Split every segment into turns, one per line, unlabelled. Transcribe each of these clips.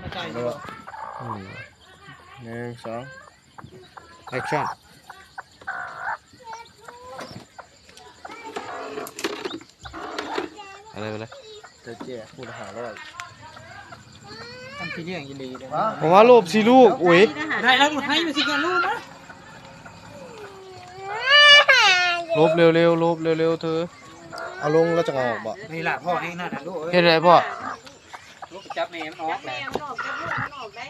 ใจหนึ่งสองแอคชั่นอะไรไปเลยจะเจ๊พูดหาร้อยทำที่เรื่องยินดีเลยผมว่าโลบสิลูกอุ้ยได้แล้วให้มาสิกันลูกนะลบเร็วๆลบเร็วๆเธอเอาลงแล้วจะออกบ่นี่แหละพ่อเองนั่นนะลูกเห็นอะไรพ่อลูกจับแม่มันออกแม่มันออกจับลูกมันออกได้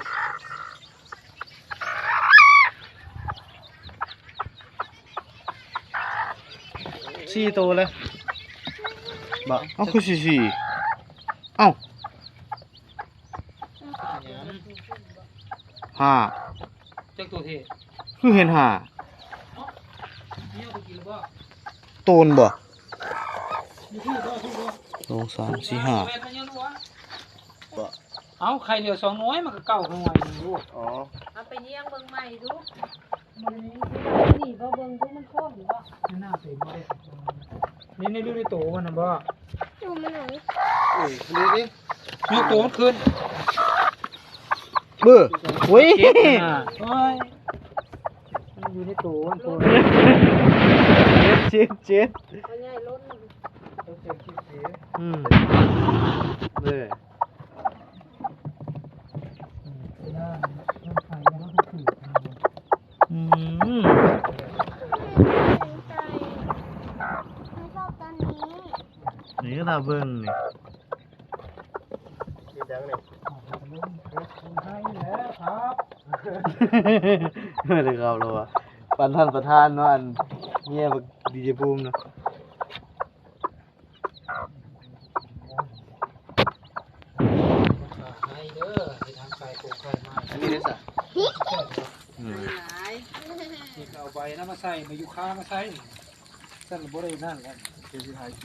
สี่ตัวเลยบ่เอาคือสี่เอ้าห้าจักตัวเท่คือเห็นห้าโตนบ่สองสามสี่ห้าเอาใครเหลือสองน้อยมันก็เก่าหน่อยลูกอ๋อเอาไปเลี้ยงเบิ่งใหม่ดูมันนี่บ่เบิ่งดูมันคล้องหรือว่าหน้าเป็นบ่ได้นี่ดูในโตมันน่ะบ่ดูมันหน่อยดูดิยกโตมันขึ้นเบ้อโอ้ยโอ้ยมันอยู่ในโตมันโตเจ็ดเจ็ดเบ้อนี่ก็ตาเบิ้งนี่คิดยังนี่ให้แล้วครับไม่ได้ครับเราอะปันท่านประธานเนาะอันเงี้ยบักดีเจภูมิเนาะอันนี้ได้สักนี่เอาใบน้ำมาใส่มายุค่ามาใส่สั่นบ่ได้นั่นแหละเป็นที่ไทย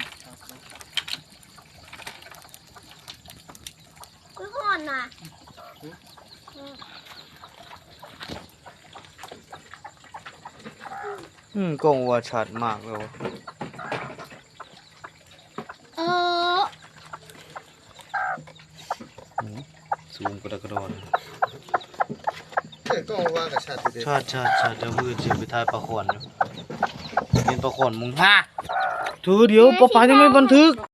ก็ห่อนน่ะ
กล้องว่าชัดมากเลยซูมกระดอนกล้องว่ากับชัดดีชัดเดี๋ยวมือเสียไปถ่ายปลาขอนอยู่เป็นปลาขอนมึงฮะถือเดี๋ยวปลายังไม่บันทึก